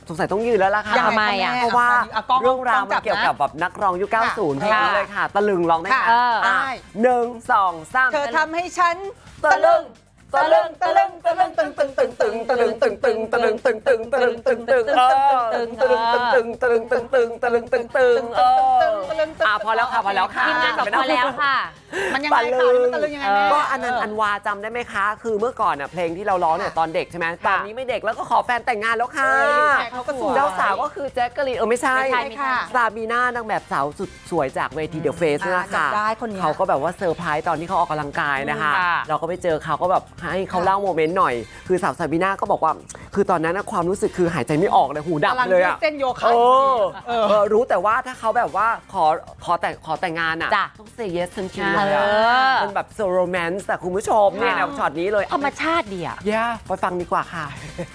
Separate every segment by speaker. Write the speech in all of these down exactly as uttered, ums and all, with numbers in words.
Speaker 1: สงสัยต้องยืนแล้วล่ะค่ะ
Speaker 2: ทำไมอ่ะ
Speaker 1: เพราะว่าเรื่องราวมันเกี่ยวกับแบบนักร้องยุคเก้าสิบเพลงนี้เลยค่ะตะลึงร้องได้ไหม
Speaker 2: ได้
Speaker 1: หนึ่งสองสาม
Speaker 2: เธอทำให้ฉัน
Speaker 1: ตะลึงตะลึงตะลึงตะลึงตึงตึงตึงตึงตะลึงตึงตึงตะลึงตึงตึงตะลึงตึงตึงเออตะลึงตึงตึงตะลึงตึงตึงตะลึงตึงตึงเอออ่ะพอแล้วค่ะพอแล้วค่ะ
Speaker 3: ทีมงานบอกพอแล้วค่ะ
Speaker 2: มันยังไงข่าวนี้มันตะลึงยังไงแม่
Speaker 1: ก็อันนันต์อันวาจำได้ไหมคะ คือเมื่อก่อนน่ะเพลงที่เราร้องเนี่ยตอนเด็กใช่ไหมตอนนี้ไม่เด็กแล้วก็ขอแฟนแต่งงานแล้วค่ะ
Speaker 2: เขาก็สวย
Speaker 1: เจ้าสาวก็คือแจ็คกะลีนเออไม่ใช่
Speaker 2: ไม่ใช่ค่ะ
Speaker 1: ซาบีน่านางแบบสาวสุดสวยจากเวทีเดอะเฟสนี่แหละค่ะ
Speaker 2: จำได้คนนี้
Speaker 1: เขาก็แบบว่าเซอร์ไพรส์ตอนที่เขาออกกำลังกายนะคะ
Speaker 3: ค่ะ
Speaker 1: เราก็ไปเจอเขาก็แบบให้เขาเล่าโมเมนต์หน่อย คือสาวซาบีน่าก็บอกว่า คือตอนนั้นนะความรู้สึกคือหายใจไม่ออกเลยหูดับเลยอะ
Speaker 2: เส้นโยคะ
Speaker 1: เออเออรู้แต่ว่าถ้าเขาแบบว่าขอขอแต่งขอแต่งงานอะ
Speaker 3: จ้ะ
Speaker 1: ต้องเซเยสทันทีเลยอะ
Speaker 3: เออ
Speaker 1: มันแบบโซโรแมนต์แต่คุณผู้ชมเนี่ยแบบช็อตนี้เลย
Speaker 3: ธรรมชาติดีอ่ะ
Speaker 1: แย่ไปฟังดีกว่าค่ะ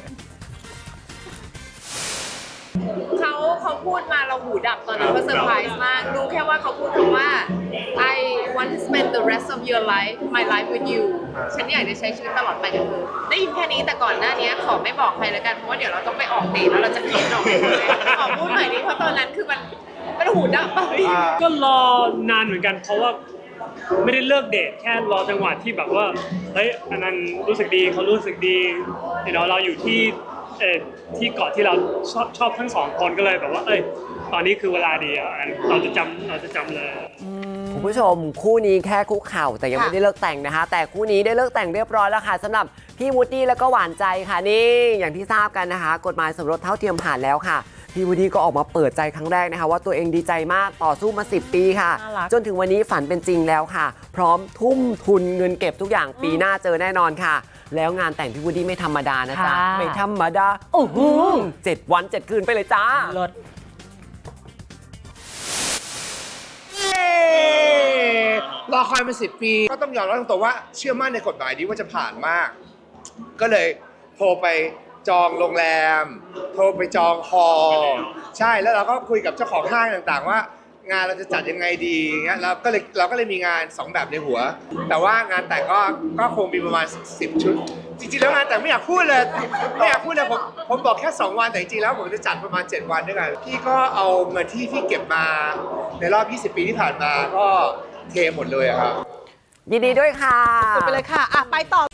Speaker 4: เขาเขาพูดมาเราหูดับตอนนั้นก็เซอร์ไพรส์มากรู้แค่ว่าเขาพูดคำว่า I want to spend the rest of your life my life with you ฉันอยากจะใช้ชีวิตตลอดไปกับเธอได้ยินแค่นี้แต่ก่อนหน้านี้ขอไม่บอกใครแล้วกันเพราะว่าเดี๋ยวเราต้องไปออกเดทแล้วเราจะคิดออกไปหมดเลยขอพูดหน่อยนี้เพราะตอนนั้นคือมันมันหูดับไป
Speaker 5: ก็รอนานเหมือนกันเพราะว่าไม่ได้เลิกเดทแค่รอจังหวะที่แบบว่าเฮ้ยอันนั้นรู้สึกดีเขารู้สึกดีเดี๋ยวเราอยู่ที่เอ่อที่เกาะที่เราชอบชอบทั้งสองคนก็เลยแบบว่าเอ้ยตอนนี้คือเวลาดีอ่ะเราจะจำเราจะจำเลย
Speaker 1: คุณผู้ชมคู่นี้แค่คุกเข่าแต่ยังไม่ได้เลิกแต่งนะคะ แต่คู่นี้ได้เลิกแต่งเรียบร้อยแล้วค่ะสำหรับพี่วูดดี้แล้วก็หวานใจค่ะนี่อย่างที่ทราบกันนะคะ กฎหมายสมรสเท่าเทียมผ่านแล้วค่ะพี่วูดดี้ก็ออกมาเปิดใจครั้งแรกนะคะว่าตัวเองดีใจมากต่อสู้มาสิบปีค่ะ
Speaker 3: น่ารัก
Speaker 1: จนถึงวันนี้ฝันเป็นจริงแล้วค่ะ พร้อมทุ่มทุนเงินเก็บทุกอย่างปีหน้าเจอแน่นอนค่ะ แล้วงานแต่งพี่วูดดี้ไม่ธรรมดานะจ๊ะ
Speaker 3: ค่ะ
Speaker 1: ไม่ธรรมดาโอ้โหเจ็ดวันเจ็ดคืนไปเลยจ้า
Speaker 3: รถ
Speaker 6: รอคอยมาสิบปีก็ต้องยอมรับตรงๆว่าเชื่อมั่นในกฎหมายนี้ว่าจะผ่านมาก ก็เลยโทรไปจองโรงแรม โทรไปจองฮอลล์ใช่แล้วเราก็คุยกับเจ้าของห้างต่างๆว่างานเราจะจัดยังไงดีเงี้ยเราก็เลยเราก็เลยมีงานสองแบบในหัว แต่ว่างานแต่งก็ก็คงมีประมาณสิบชุด จริงๆแล้วงานแต่งไม่อยากพูดเลยไม่อยากพูดเลยผมผมบอกแค่สองวันแต่จริงๆแล้วผมจะจัดประมาณเจ็ดวันด้วยกันพี่ก็เอาเงินที่พี่เก็บมาในรอบยี่สิบปีที่ผ่านมาก็เทหมดเลยอะครับ
Speaker 1: ยินดีด้วยค่ะ
Speaker 2: สุดไปเลยค่ะอ่ะ ไปต่อ